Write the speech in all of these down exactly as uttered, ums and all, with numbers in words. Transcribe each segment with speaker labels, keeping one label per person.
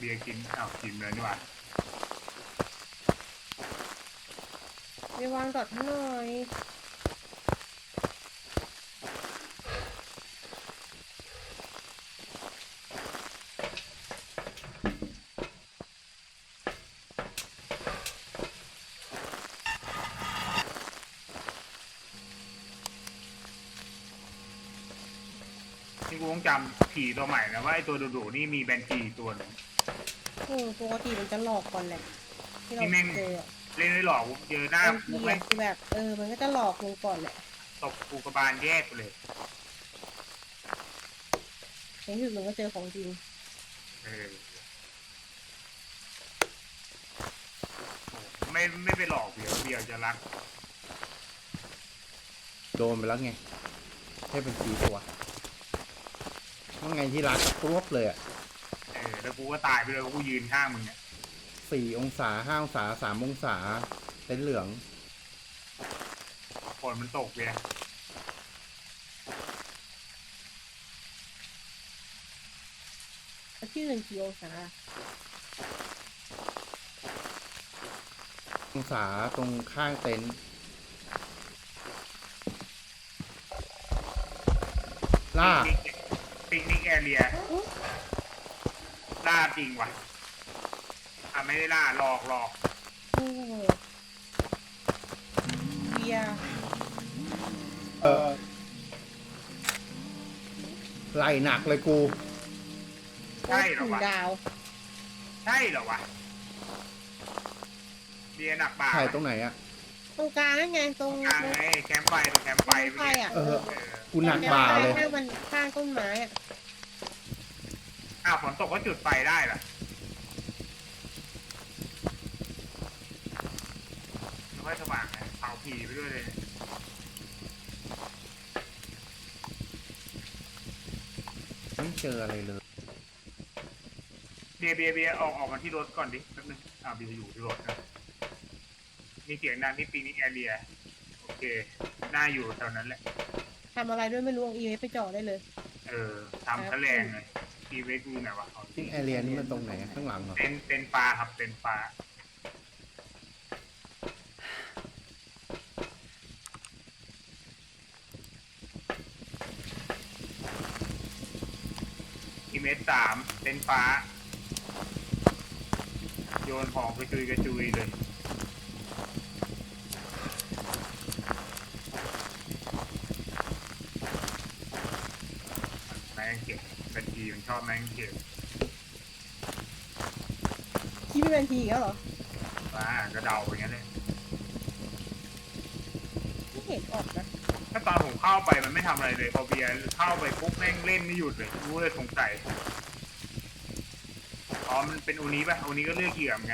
Speaker 1: เบียร์กินอ้าวกินเลยนี่หว่า
Speaker 2: ไปวางดอทให้หน่อย
Speaker 1: ที่กูต้องจำผีตัวใหม่นะว่าไอตัวดุๆนี่มีแบนจีตัวหนึ่ง
Speaker 2: เออปกติมันจะหลอกก่อนแหละที่เราเจอ
Speaker 1: เล่นไม่หลอกเจอหน้า
Speaker 2: กูไม่คือแบบเออมันก็จะหลอกลงก่อนแหละ
Speaker 1: ตบกูกระบาลแยกไปเลย
Speaker 2: ในที่สุดมันก็เจอของจริง
Speaker 1: เออไม่ไม่ไปหลอกเบียร์เบียร์จะรัก
Speaker 3: โดนไปแล้วไงให้เป็นสีตัวว่าไงที่รักครบเลยอ่ะ
Speaker 1: เออแล้วกูก็ตายไปเลยกูยืนข้างมึงเนี่ย
Speaker 3: สี่องศาห้าองศาสามองศาเต็นเหลือง
Speaker 1: ฝนมันตกเบียร์
Speaker 2: ที่หนึ่งกี่องศา
Speaker 3: องศาตรงข้างเต็นท์ล่า
Speaker 1: ปิกนิกแอเรียล่าจริงว่ะอ่ะไม่ได้ล่าหลอกหลอก
Speaker 2: โอ้เบียร์
Speaker 3: เออไล่หนักเลยกู
Speaker 1: ใช่เหรอวะ
Speaker 2: ดาว
Speaker 1: ใช่เหรอวะเบียร์หนักบ่า
Speaker 3: ถ่ายตรงไหนอะ
Speaker 2: ตรงกลางนั่นไงตรง
Speaker 1: กลางไงแคมป์ไฟตรงแคมป์ไฟ
Speaker 2: ไฟอ่ะ
Speaker 3: เออกูหนักบ่าเลย
Speaker 2: ข้างมันข้างต้นไม้อ่ะ
Speaker 1: อ้าวฝนตกก็จุดไฟได้เหรอไม่ค่อยสว่างไงเผาผีไปด้วยเลย
Speaker 3: ไม่เจออะไรเลย
Speaker 1: เบียร์เบียร์เบียร์ออกออกมาที่รถก่อนดิแป๊บนึงอ้าวเบียร์อยู่ที่รถนะมีเสียงดังที่ปิกนิกแอเรียโอเคน่าอยู่แถวนั้นแหละ
Speaker 2: ทำอะไรด้วยไม่รู้อีเวไปจอดได้เลย
Speaker 1: เออทำแถลงเลยอีเวกูไหนวะ
Speaker 3: ปิกแอเรียนี่มันตรงไหนข้างหลังเหรอ
Speaker 1: เป็นเป็นปลาครับเป็นปลาอีเมตรสามเป็นฟ้าโยนของกระจุยกระจุยเลยแมงเก็บบัญชีมันชอบแมงเก็บ
Speaker 2: คิดเป็นบัญชีอีกแล้วเหรอ
Speaker 1: ว้ากระเดาอย่างเงี้ยเลย
Speaker 2: ไม่เห็นออกนะ
Speaker 1: ถ้าตอนผมเข้าไปมันไม่ทำอะไรเลยพอเบียร์เข้าไปปุ๊บแม่งเล่นไม่หยุดเลยรู้เลยสงสัยอ๋อมันเป็นอูนี้ป่ะอูนี้ก็เลือกเหยื่อเหมือนกัน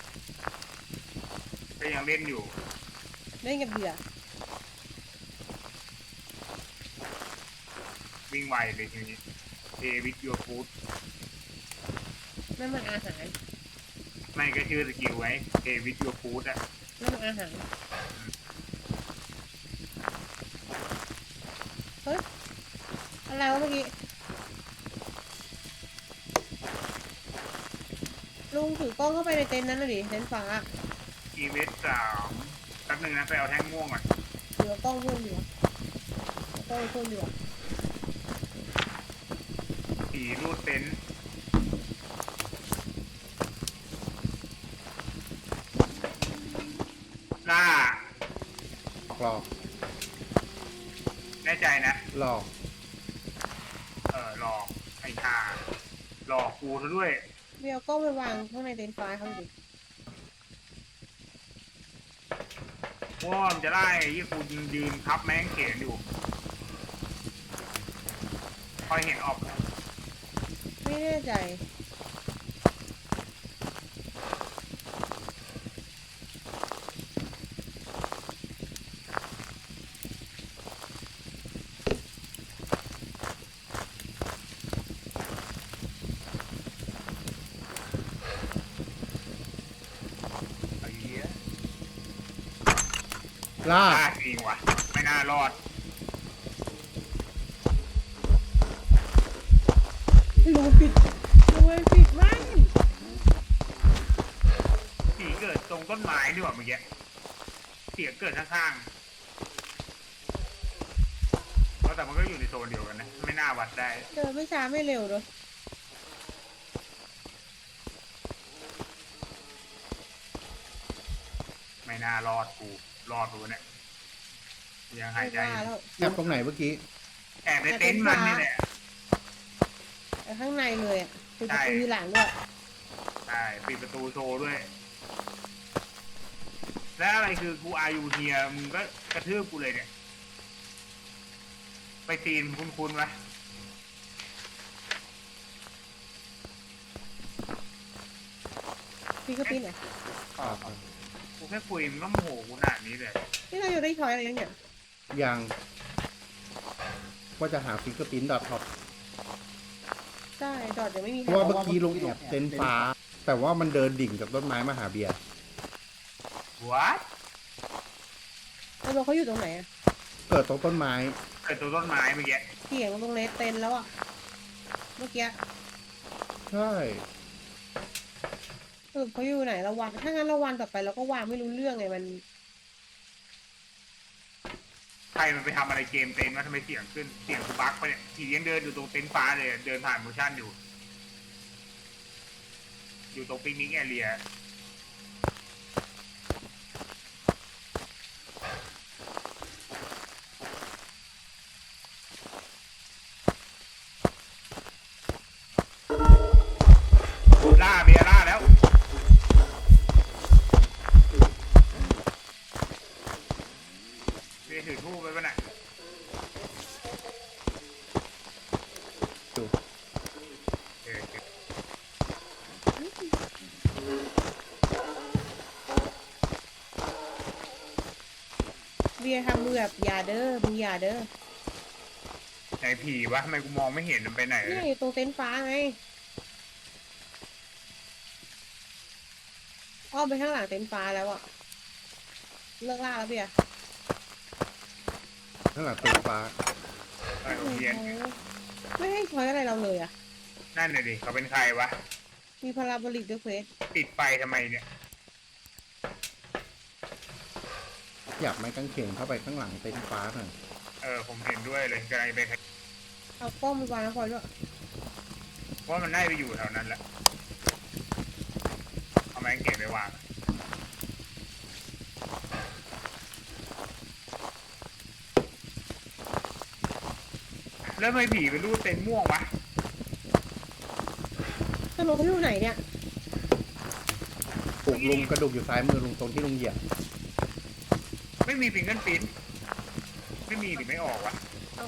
Speaker 1: ก็ยังเล่นอยู่
Speaker 2: เล่นกับเหยื่อ
Speaker 1: วิ่งไวเลยทีนี้เอวิดยูฟูด
Speaker 2: นั่นมันอาหาร
Speaker 1: ไม่ก็ชื่อสกิลไว้เอวิดยูฟูดอะ
Speaker 2: นั่นมันอาหารเฮ้ยอะไรวะเมื่อกี้ลุงถือกล้องเข้าไปในเต็นท์นั้นเลยดิเต็นท์ฟ้า
Speaker 1: อีเวสสามแป๊บนึงนะไปเอาแท่งม่วงก่อน
Speaker 2: เหลือกล้องเพื่อนอยู่กล้องเพื่อนอยู่
Speaker 1: ผีรูดเต็นท์ล่า
Speaker 3: หลอก
Speaker 1: แน่ใจนะ
Speaker 3: หลอก
Speaker 1: เออหลอกไอ้ห่าหลอกกูซะด้วย
Speaker 2: เบียร์ก็ไปวางข้างในเต็นท์ฟ้าเขาดิ
Speaker 1: ว่ามันจะได้ยี่กูยืนทับแม่งเขียนอยู่คอยเห็นออก
Speaker 2: ไม่แน่ใจ
Speaker 3: ล่า
Speaker 1: จริงว่ะไม่น่ารอด
Speaker 2: รูปิดรูปิดไม่
Speaker 1: ต้นไม้ดีกว่าเมื่อกี้เสียงเกิดข้างๆเพราะแต่มันก็อยู่ในโซนเดียวกันนะไม่น่าวัดได้
Speaker 2: เดินไม่ช้าไม่เร็วเลย
Speaker 1: ไม่น่ารอดกูรอดกูเนี่ยยังหายใจ
Speaker 2: ไม่
Speaker 1: อยู่
Speaker 2: ว่าแล้ว
Speaker 3: แอบตรงไหนเมื่อกี้
Speaker 1: แอบในเต็นท์มันนี่แหละ
Speaker 2: แต่ข้างในเลยอ่ะปิดประตู
Speaker 1: ใช่
Speaker 2: ทีหลังด้วย
Speaker 1: ใช่ปิดประตูโชว์ด้วย แล้วอะไรคือกูอายุเฮียมึงก็กระทืบกูเลยเนี่ย ไปตีนคุ้นๆวะ
Speaker 2: พี่ก็ปิ้นเหรอ
Speaker 1: กูแค่คุยมึงก็โมโหกูขนาดนี้เลย
Speaker 2: นี่เราอยู่ได้ช้อยอะไรยังเนี่ย
Speaker 3: ยังว่าจะหาฟิกเกอร์พิ้นดอทท็อป
Speaker 2: ใช่ดอดยังไม่มี
Speaker 3: เพราะว่าเมื่อกี้ลุงแอบเต็นท์ฟ้า แต่ว่ามันเดินดิ่งจากต้นไม้มาหาเบียร์
Speaker 1: วัด
Speaker 2: แล้วเราเขาอยู่ตรงไหนอ่ะ
Speaker 3: เกิดตรงต้นไม้
Speaker 1: เกิดตัวต้นไม้เมื่อกี้
Speaker 2: เสียงตรงเลสเต็นแล้วอ่ะเมื่อกี้
Speaker 3: ใช่
Speaker 2: สรุปเขาอยู่ไหนเราวันถ้างั้นเราวันต่อไปเราก็วางไม่รู้เรื่องไงมัน
Speaker 1: ใครมันไปทำอะไรเกมเต็นท์วะทำไมเสียงขึ้นเสียงกูบั๊กไปเนี่ยผียังเดินอยู่ตรงเต็นท์ฟ้าเลยเดินผ่านโมชั่นอยู่ อยู่ตรงปิกนิกแอเรีย ล่าเบียร์ล่าแล้วเบียร์ถือทูบไปป่ะน่ะ
Speaker 3: อยู่
Speaker 1: เออเออ
Speaker 2: เบียร์ทำมือแบบอย่าเด้อมึงอย่าเด้อ
Speaker 1: ไหนผีวะทำไมกูมองไม่เห็นมันไปไหนเล
Speaker 2: นี่
Speaker 1: ย
Speaker 2: อยู่ตรงเต็นท์ฟ้าไงอ้อมไปข้างหลังเต็นท์ฟ้าแล้วอ่ะเลิกล่าแล้วเบียร์
Speaker 3: ข้างหลังเต็นท์ฟ้า
Speaker 1: อะไรของเพี้ยน
Speaker 2: ไม่ให้ช้อยอะไรเราเลยอ่ะ
Speaker 1: นั่นน่ะดิเขาเป็นใครวะ
Speaker 2: มีพาราโบลิกด้วยเควส
Speaker 1: ติดไฟทำไมเนี่ย
Speaker 3: อยากไม้กางเขนเข้าไปข้างหลังเต็นท์ฟ้าหน่อย
Speaker 1: เออผมเห็นด้วยเลยกำลังไป
Speaker 2: เอากล้องไปวางนะพลอยด้วย
Speaker 1: ว่ามันน่าจะไปอยู่แถวนั้นแหละเอาไม้เก็บไปวางแล้วทำไมผีเป็นรูปเต็นท์ม่วงวะ
Speaker 2: สรุปเขาอยู่ไหนเนี่ย
Speaker 3: ปลุกลุงกระดูกอยู่ซ้ายมือลุงตรงที่ลุงเหยียบ
Speaker 1: ไม่มีฟิงเกิลปิ้นไม่มีหรือไม่ออกวะ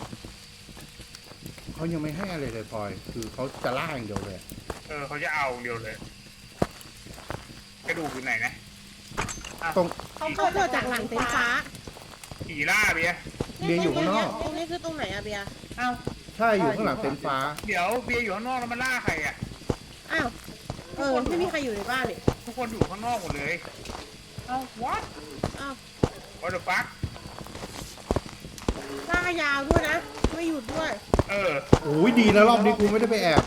Speaker 3: เขายังไม่ให้อะไรเลยพลอย คือเขาจะล่าอย่างเดียวเลย
Speaker 1: เออเขาจะเอาเดียวเลย กระดูกอยู่ไหนนะอ่ะ
Speaker 3: ตรง
Speaker 2: เขาเขาเกิดจากหลังเต็นท์ฟ้า
Speaker 1: ผีล่าเบียร์
Speaker 3: เบียร์อยู่ข้างนอก
Speaker 2: ตรงนี้คือตรงไหนอะเบียร์
Speaker 1: อ้าว
Speaker 3: ใช่อยู่ข้างหลังเต็นท์ฟ้า
Speaker 1: เดี๋ยวเบียร์อยู่ข้างนอกแล้วมันล่าใครอ่ะ
Speaker 2: อ้าว เออ ไม่มีใครอยู่ในบ้านนี่
Speaker 1: ทุกคนอยู่ข้างนอกหมดเลย เอ้า what
Speaker 2: อ้าว
Speaker 1: what the fuck
Speaker 2: ลากยาวด้วยนะ ไม่หยุดด้วย
Speaker 1: เออ
Speaker 3: โอ้ยดีนะรอบนี้กูไม่ได้ไปแอบ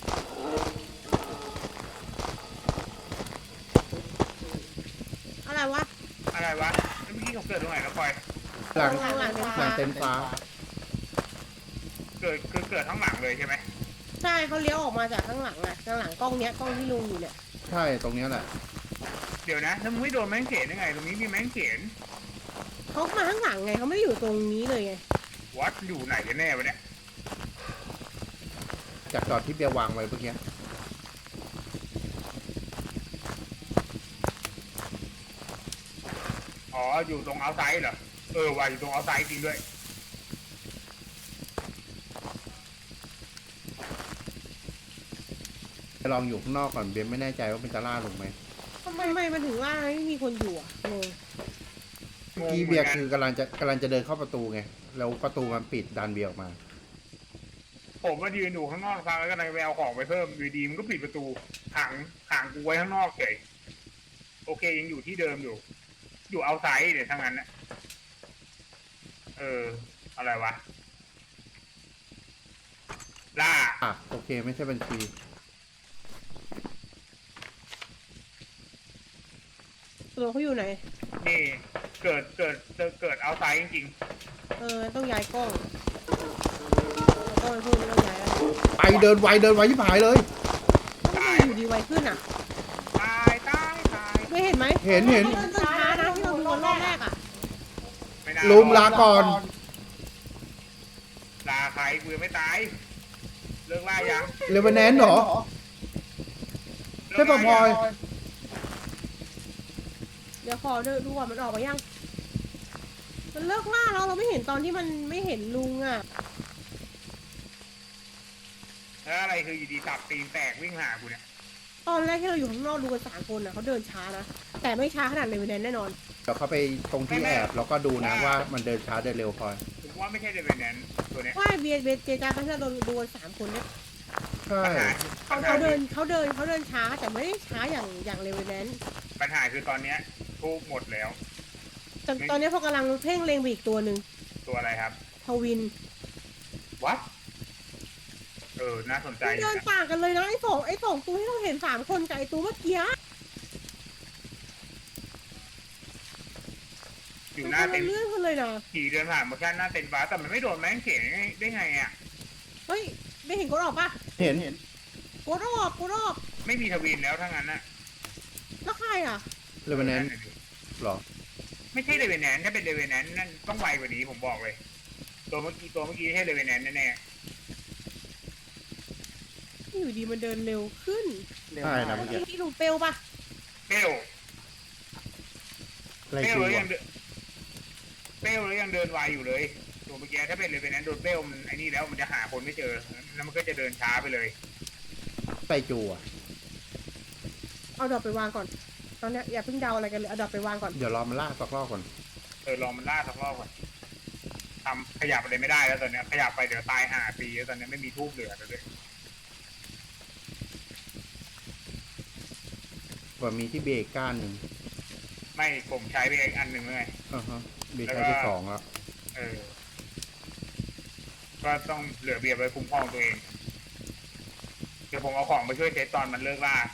Speaker 2: อะไรวะ
Speaker 1: อะไรวะแล้วเมื่อกี้เขาเกิดตรงไหนแล้วพลอย
Speaker 3: หลัง
Speaker 2: หลังเต็นท์
Speaker 3: หลั
Speaker 2: ฟ้า
Speaker 3: งเต็นท์ฟ้า
Speaker 1: เกิดคือเกิดข้างหลังเลยใช่ไหม
Speaker 2: ใช่เขาเลี้ยวออกมาจากข้างหลังอะข้างหลังกล้องเนี้ยกล้องที่ลุงอยู่เนี่ย
Speaker 3: ใช่ตรงเนี้ยแหละ
Speaker 1: เดี๋ยวนะแล้วมึงไม่โดนแมงเขนยังไง ตรงนี้มีแมงเขน
Speaker 2: เขามาข้างหลังไงเขาไม่ได้อยู่ตรงนี้เลยไง
Speaker 1: วัดอยู่ไหนกันแน่วะเนี่ย
Speaker 3: จากจอดที่เบียร์วางไว้เมื่อกี้
Speaker 1: อ๋อ อยู่ตรงเอาไซด์เหรอ เออว่าอยู่ตรงเอาไซด์จริงด้วย
Speaker 3: ไปลองอยู่ข้างนอกก่อนเบียร์ไม่แน่ใจว่ามันจะล่าลงไหม
Speaker 2: ทำไมไม่มันถึงว่าไม่มีคนอยู่อะงง
Speaker 3: เมื่อกี้เบียร์คือกำลังจะกำลังจะเดินเข้าประตูไง แล้วประตูมันปิดดันเบียร์ออกมา
Speaker 1: ผมมายืนอยู่ข้างนอกครั้งแล้วก็เลยไปเอาของไปเพิ่มอยู่ดีมันก็ปิดประตูขังขังกูไว้ข้างนอกเฉยโอเคยังอยู่ที่เดิมอยู่ อยู่เอาไซด์เดี๋ยวทั้งนั้นนะเออ อะไรวะ ล่า
Speaker 3: อ่ะโอเคไม่ใช่บัญชี
Speaker 2: ตัวเขาอยู่ไหน
Speaker 1: นี่เกิดเกิดเกิดเกิดเอาไซด์จริง
Speaker 2: เออต้องย้ายกล้องเอากล้องไปพูดไม่ต้องย้ายแล้ว
Speaker 3: ไปเดินไวเดินไวที่ผายเลย
Speaker 2: ทำไมอยู่ดีไวขึ้นอ่ะ
Speaker 1: ๆตายตายตาย
Speaker 2: ไม่เห็นไหม
Speaker 3: เห็นเห็น
Speaker 2: ดินช้านะที่เราดูกันรอบแรกอ่ะ
Speaker 1: ไม่น่า
Speaker 3: ลุมลาก่อน
Speaker 1: ลาใครกูยังไม่ตายเลิกล่ายัง
Speaker 3: เลเวนแนนเหรอ ใช่ปะพลอย
Speaker 2: เดี๋ยวขอดูก่อนมันออกมายัง มันเลิกล่าแล้วเราไม่เห็นตอนที่มันไม่เห็นลุงอ่ะ
Speaker 1: แล้วอะไรคืออยู่ดีสับตีนแตกวิ่งหากูเนี่ย
Speaker 2: ตอนแรกที่เราอยู่ข้างนอกดูกันสามคนอ่ะเขาเดินช้านะ แต่ไม่ช้าขนาดเลเวนแนนแน่นอน
Speaker 3: เดี๋ยวเขาไปตรงที่แอบแล้วก็ดูนะว่ามันเดินช้าเดินเร็วพลอย
Speaker 1: ผมว่าไม่ใช่เดวินแนนตัวเนี้ย
Speaker 2: ว่าเบียร์เบียร์เจจาเขาจะโดนดูกันสามคนเนี่ย
Speaker 3: ใช่
Speaker 1: ปัญหา
Speaker 2: เขาเขาเดินเขาเดินเขาเดินช้าแต่ไม่ได้ช้าอย่างอย่างเลเวนแนน
Speaker 1: ปัญหาคือตอนเนี้ยทูบหมดแล้ว
Speaker 2: แต่ตอนนี้พอกำลังเพ่งเล็งไปอีกตัวหนึ่ง
Speaker 1: ตัวอะไรครับ
Speaker 2: ทวิน
Speaker 1: วัดเออน่าสนใจ
Speaker 2: มัน
Speaker 1: อยู่
Speaker 2: เดิน
Speaker 1: นะ
Speaker 2: ต่างกันเลยนะไอ้สองไอ้สองตัวที่เราเห็นสามคนกับไอ้ตัวเมื่อกี้
Speaker 1: อยู่หน้า
Speaker 2: มั
Speaker 1: เต็นท์
Speaker 2: เลื่อนกันเลยนะ
Speaker 1: ขี่เดินผ่านโมชั่นหน้าเต็นท์ฟ้าแต่มันไม่โดนแม่งเขียนได้ไงอ่ะ
Speaker 2: เฮ้ยได้เห็นกดออกปะ
Speaker 3: เห็นเห็น
Speaker 2: กดออกกดออก
Speaker 1: ไม่มีทวินแล้วทั้งนั้นน่ะ
Speaker 2: แล้วใครอ่ะ
Speaker 3: เลเวนแนนหรอ
Speaker 1: ไม่ใช่เดวินแนนถ้าเป็นเดวินแนนนั่นต้องไวกว่านี้ผมบอกเลย ตัวเมื่อกี้ตัวเมื่อกี้ไม่ใช่เดวินแนนแน่
Speaker 2: อยู่ดีมันเดินเร็วขึ้น
Speaker 3: ใช่นะเมื่อกี้
Speaker 2: ที่ลุงเปลปะ
Speaker 1: ๆเปลว
Speaker 3: อะไร
Speaker 1: เปลว
Speaker 3: คือ
Speaker 1: แล้ว
Speaker 3: วะ
Speaker 1: ยังเดินเปลวแล้วยังเดินไวอยู่เลยตัวเมื่อกี้ถ้าเป็นเดวินแนนโดนเปลวมันไอ้นี่แล้วมันจะหาคนไม่เจอแล้วมันก็จะเดินช้าไปเลย
Speaker 3: ไปจูอ่ะ
Speaker 2: เอาดอกไปวางก่อน ตอนเนี้ยอย่าเพิ่งเดาอะไรกันเลยเอาดอกไปวางก่อน
Speaker 3: เดี๋ยวรอมันล่าสักรอบก่อน
Speaker 1: เออลองมันล่าสักรอบก่อนทำขยับอะไรไม่ได้แล้วตอนเนี้ยขยับไปเดี๋ยวตายหาปีแล้วตอนเนี้ยไม่มีทูบเหลือแล้วด้วย
Speaker 3: ว่ามีที่เบรกก้านหนึ่ง
Speaker 1: ไม่ผมใช้ไปอีกอันหนึ่งเลย
Speaker 3: อ่าฮะเบรกใช้ไปสองแล้ว
Speaker 1: เออ ก็ต้องเหลือเบียร์ไว้คุ้มครองตัวเอง เดี๋ยวผมเอาของมาช่วยเซตตอนมันเลิกล่า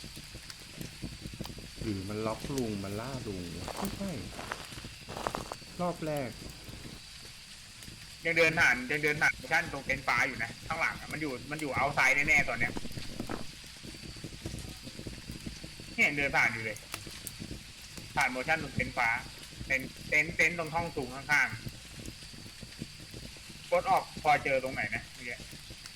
Speaker 3: หรือมันล็อกลุงมันล่าลุงไม่ใช่รอบแรก
Speaker 1: ยังเดินผ่านยังเดินผ่านโมชั่นตรงเต็นท์ฟ้าอยู่นะข้างหลังอะมันอยู่มันอยู่เอาไซด์แน่ๆตอนเนี้ยนี่ยังเดินผ่านอยู่เลย ผ่านโมชั่นตรงเต็นท์ฟ้าเต็นท์เต็นท์เต็นท์ตรงห้องสูงข้างๆกดออกพอเจอตรงไหนนะเมื่อกี้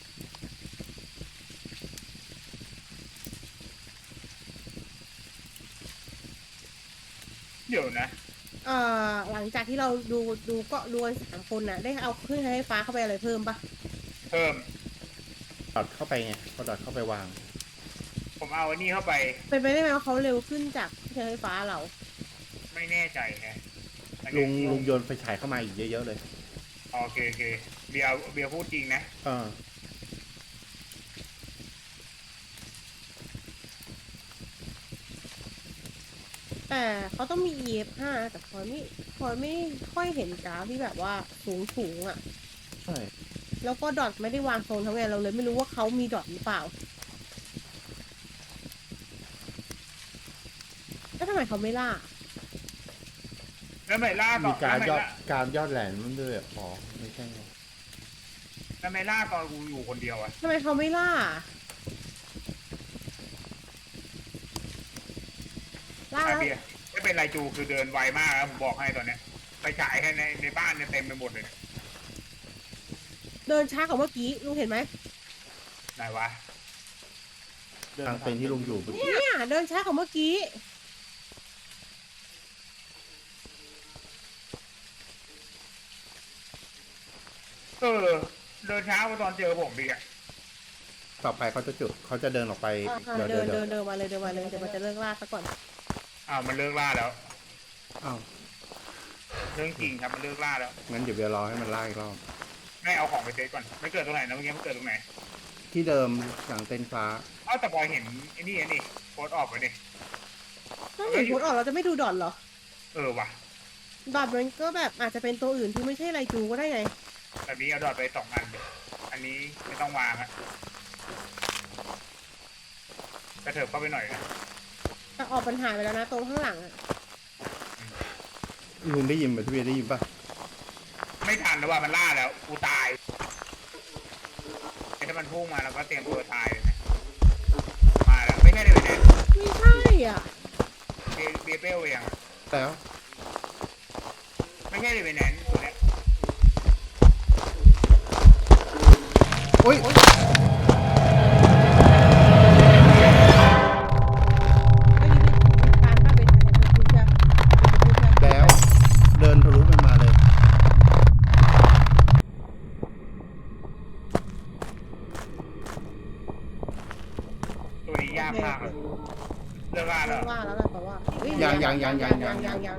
Speaker 1: เดี๋ยวนะ
Speaker 2: เอ่อหลังจากที่เราดูดูก็ดูกันสามคนน่ะ ได้เอาเครื่องใช้ไฟฟ้าเข้าไปอะไรเพิ่มปะ
Speaker 1: เพิ่ม
Speaker 3: ดอดเข้าไปไงพอดอดเข้าไปวาง
Speaker 1: ผมเอาอันนี้เข้าไป
Speaker 2: เป็นไปได้ไหมว่าเขาเร็วขึ้นจากเครื่องใช้ไฟฟ้าเรา
Speaker 1: ไม่แน่ใจไง
Speaker 3: ลุงลุงโยนไฟฉายเข้ามาอีกเยอะๆเลย
Speaker 1: โอเคโอเคเบียร์เบียร์พูดจริงนะ
Speaker 3: เออ
Speaker 2: แต่เขาต้องมี อี เอฟ ห้า แต่พลอยไม่พลอยไม่ค่อยเห็นกราฟที่แบบว่าสูงสูงๆอ่ะ
Speaker 3: ใช่
Speaker 2: แล้วก็ดอทไม่ได้วางโซนทั้งไงเราเลยไม่รู้ว่าเขามีดอทหรือเปล่า แล้วทำไมเขาไม่ล่า
Speaker 1: แล้วไม่ล่าต่
Speaker 3: มี
Speaker 1: อ
Speaker 3: การ
Speaker 1: แล้ว
Speaker 3: ยอ
Speaker 1: ไม่
Speaker 3: ด
Speaker 1: ล่า
Speaker 3: การยอดแหลนมันด้วยอ๋อไม่ใช่ไง
Speaker 1: แล้วไม่ล่าตอนกูอยู่คนเดียวอะ
Speaker 2: ทำไมเขาไม่ล่า ล่า
Speaker 1: ไอ
Speaker 2: แล้ว
Speaker 1: เบียร์ไม่เป็นไรจูคือเดินไวมากนะผมบอกให้ตอนเนี้ยไปฉายแค่ในในบ้านเนี่ยเต็มไปหมดเลยเนี่ย
Speaker 2: เดินช้ากว่าเมื่อกี้ลุงเห็นไหม
Speaker 1: ไหนวะ
Speaker 3: ทางเป็นที่ลุงอยู่
Speaker 2: เนี่ยเดินช้ากว่าเมื่อกี้
Speaker 1: เออ เดินเช้ามาตอนเจอผมดีอะ
Speaker 3: ต่อไปเขาจะจุดเขาจะเดินออกไป
Speaker 2: อ่ะ
Speaker 3: เดี๋ยว
Speaker 2: เดิ
Speaker 3: เดี๋ย
Speaker 2: น
Speaker 3: ว
Speaker 2: เดิ
Speaker 3: เดี๋ย
Speaker 2: น
Speaker 3: ว
Speaker 2: เดินมาเลยเดินมาเลยเดี๋ยวมันจะเลิกล่าซะก่อน
Speaker 1: อ้าวมันเลิกล่าแล้ว
Speaker 3: อ้าว
Speaker 1: เรื่องจริงครับมันเลิกล่าแล้ว
Speaker 3: งั้นเดี๋ยวเดี๋ยวรอให้มันล่าอีกรอบ
Speaker 1: ไม่เอาของไปเซตก่อนไม่เกิดตรงไหนนะเมื่อกี้มันเกิดตรงไหน
Speaker 3: ที่เดิมหลังเต็นท์ฟ้า
Speaker 1: เอ้าแต่พอเห็นไอ้นี่ไอ้นี่โพสต์ออกไปดิ
Speaker 2: ถ้าเห็นโพสต์ออกเราจะไม่ดูดอทเหรอ
Speaker 1: เออว่ะ
Speaker 2: ดอทมันก็แบบอาจจะเป็นตัวอื่นที่ไม่ใช่ไรจูก็ได้ไง
Speaker 1: แบบนี้เอาดอทไปสองอันเลยอันนี้ไม่ต้องวางอะกระเถิบเข้าไปหน่อยนะ
Speaker 2: ไปแต่ออกปัญหายไปแล้วนะตรงข้างหลังอะ
Speaker 3: ลุงได้ยินไหมพี่เบียร์ได้ยินปะ
Speaker 1: ไม่ทันแล้วว่ามันล่าแล้วกูตายไอ้ถ้ามันพุ่งมาเราก็เตรียมตัวตายเลยนะมาแล้วไม่ใช่เลยเนี่ย
Speaker 2: ไม่ใช่อ่ะ
Speaker 1: เบเบเบลเอง
Speaker 3: แล้ว
Speaker 1: ไม่ใช่เลยเป็นแนนตัวเนี้ย
Speaker 3: โอ้ย
Speaker 2: เมื่อกี้เป็นการถ้าเป็นอะไรจะพูดจะพูดจะ
Speaker 3: แล้วเดินทะลุมันมาเลย
Speaker 1: ตัวนี้ยากมากเลยเรื่องล่าแล้ว
Speaker 2: ว่าแล้วแหละแต่ว่าเฮ้
Speaker 3: ยังยังยังยังยั
Speaker 2: ยัง งยังยัง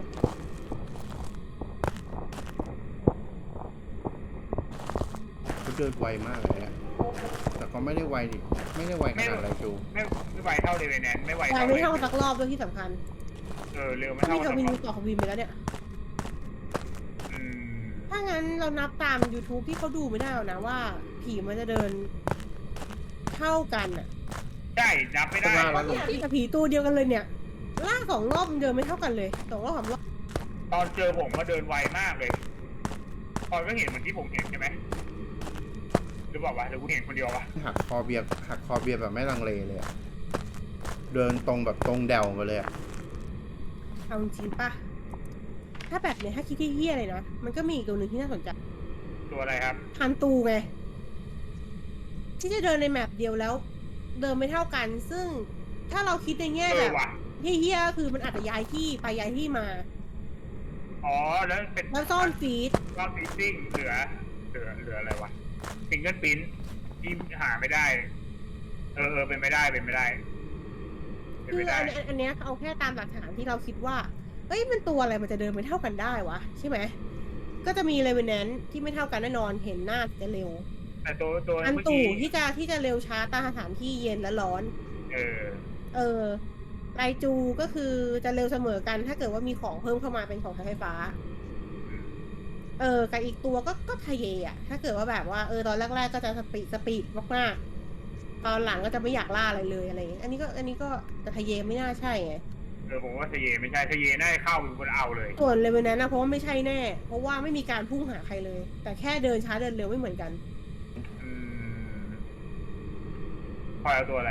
Speaker 3: เขาเดินไวมากเลยอะแต่ก็ไม่ได้ไวดิไม่ได้ไวขนาดอะไรจู
Speaker 1: ไม่ไม่ไวเท่าเลยเป็นแนนไม่ไว
Speaker 2: แต่
Speaker 1: เท่า
Speaker 2: ไม่
Speaker 1: เลย
Speaker 2: เท่าสักรอบด้วยที่สำคัญ
Speaker 1: เออเร็วไม่
Speaker 2: ถ้า
Speaker 1: เท่า
Speaker 2: มี
Speaker 1: กับ
Speaker 2: ทวินมีต่อทวินไปแล้วเนี่ย
Speaker 1: อืม
Speaker 2: ถ้างั้นเรานับตาม YouTube ที่เขาดูไม่ได้หรอกนะว่า ผีมันจะเดินเท่ากันอ่ะ
Speaker 1: ใช่นับไม่ได้
Speaker 2: แต่ผีตัวเดียวกันเลยเนี่ยล่าสองรอบมันเดินไม่เท่ากันเลยสองรอบสามรอบ
Speaker 1: ตอนเจอผมก็เดินไวมากเลยพอยก็เห็นเหมือนที่ผมเห็นใช่ไหมหรือเปล่าวะหรือกูเห็นคนเดียววะ
Speaker 3: หักคอเบียร์หักคอเบียร์แบบไม่ลังเลเลยอะเดินตรงแบบตรงแดวมาเลยอะ
Speaker 2: เอาจริงปะถ้าแบบเนี้ยถ้าคิดที่เฮี้ยเลยนะมันก็มีอีกตัวหนึ่งที่น่าสนใจ
Speaker 1: ตัวอะไรครับ
Speaker 2: ฮันตูไงที่จะเดินในแมปเดียวแล้ว เดินไม่เท่ากัน ซึ่งถ้าเราคิดในแง่
Speaker 1: เอ
Speaker 2: แบ
Speaker 1: อบ ว่ะ
Speaker 2: เฮี้ยๆก็คือมันอาจจะย้ายที่ไปย้ายที่มา
Speaker 1: อ๋อแล้วเป็น
Speaker 2: แล้วซ่อนฟีด
Speaker 1: รอบฟิซซิ่งเหลือเหลือเหลืออะไรวะฟิงเกิลปิ้นที่หาไม่ได้ เออเออเป็นไม่ได้เป็นไม่ได้เป็น
Speaker 2: คือ
Speaker 1: ไม่ได้
Speaker 2: อันอันอันเนี้ยเอาแค่ตามหลักฐานที่เราคิดว่าเอ้ยมันตัวอะไรมันจะเดินไม่เท่ากันได้วะใช่ไหมก็จะมีเลเวนแนนที่ไม่เท่ากันแน่นอนเห็นหน้าจะเร็ว
Speaker 1: แต่ตัวตัว
Speaker 2: อัน
Speaker 1: เมื่อ
Speaker 2: ตู่
Speaker 1: กี้
Speaker 2: ที่จะที่จะเร็วช้าตามสถานที่เย็นและร้อน
Speaker 1: เออ
Speaker 2: เออไรจูก็คือจะเร็วเสมอกัน ถ้าเกิดว่ามีของเพิ่มเข้ามาเป็นของใช้ไฟฟ้า เออกับอีกตัวก็ก็ทะเยอ่ะ ถ้าเกิดว่าแบบว่าเออตอนแรกๆก็จะสปีดสปีดมากๆตอนหลังก็จะไม่อยากล่าอะไรเลยอะไรอย่างเงี้ยอันนี้ก็อันนี้ก็แต่ทะเยไม่น่าใช่ไง
Speaker 1: เออผมว่าทะเยไม่ใช่ทะเยน่าจะเข้าเป็นคนเอาเลย
Speaker 2: ส่วนเลเวนแนนนะเพราะว่าไม่ใช่แน่ เพราะว่าไม่มีการพุ่งหาใครเลย แต่แค่เดินช้าเดินเร็วไม่เหมือนกัน
Speaker 1: อืมพลอยเอาตัวอะไร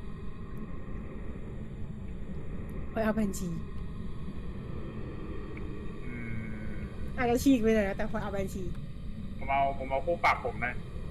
Speaker 2: คอยเอาแบนชี
Speaker 1: อืม
Speaker 2: อาจจะฉีกไปเลยนะแต่คอยเอาแบนชี
Speaker 1: ผมเอาผมเอาคู่ปรับผมนะ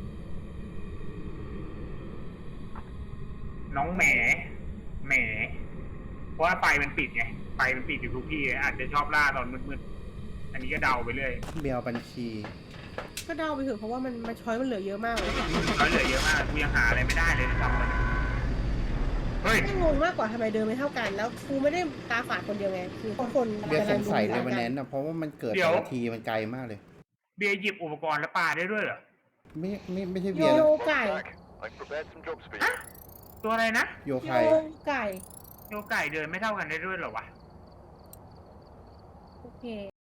Speaker 1: น้องแหมแหมเพราะว่าไฟมันปิดไงไฟมันปิดอยู่ทุกที่อาจจะชอบล่าตอนมืดๆอันนี้ก็เดาไปเรื่อย
Speaker 3: เบียร์บัญชี
Speaker 2: ก็เดาไปเถอะเพราะว่ามันมันช้อยมันเหลือเยอะมากเลย
Speaker 1: เขาเหลือเยอะมากกูยังหาอะไรไม่ได้เลยทำมันยเฮ้ย
Speaker 2: แค่งงมากกว่าทำไมเดินไม่เท่ากัน แล้วกูไม่ได้ตาฝาดคนเดียวไงคือทุกคน
Speaker 3: เบียร์สงสัยเล
Speaker 2: กำ
Speaker 3: ย
Speaker 2: ง
Speaker 3: วัน
Speaker 2: ดู
Speaker 3: นั้นนะเพราะว่ามันเกิด
Speaker 1: เดี๋ยว
Speaker 3: แต่ละทีมันไกลมากเลย
Speaker 1: เบียร์หยิบอุปกรณ์แล้วปาได้ด้วยเหรอ
Speaker 3: ไม่ไม่ไม่ใช่
Speaker 2: โย
Speaker 3: เบียร์นะ
Speaker 2: ไก่
Speaker 4: I've prepared some jobs for
Speaker 1: ฮะ
Speaker 4: you.
Speaker 1: ตัวอะไรนะ
Speaker 3: โย
Speaker 2: โย
Speaker 3: ไค
Speaker 2: ไก่
Speaker 1: โยไก่เดินไม่เท่ากันได้ด้วยเหรอวะ
Speaker 2: โอเค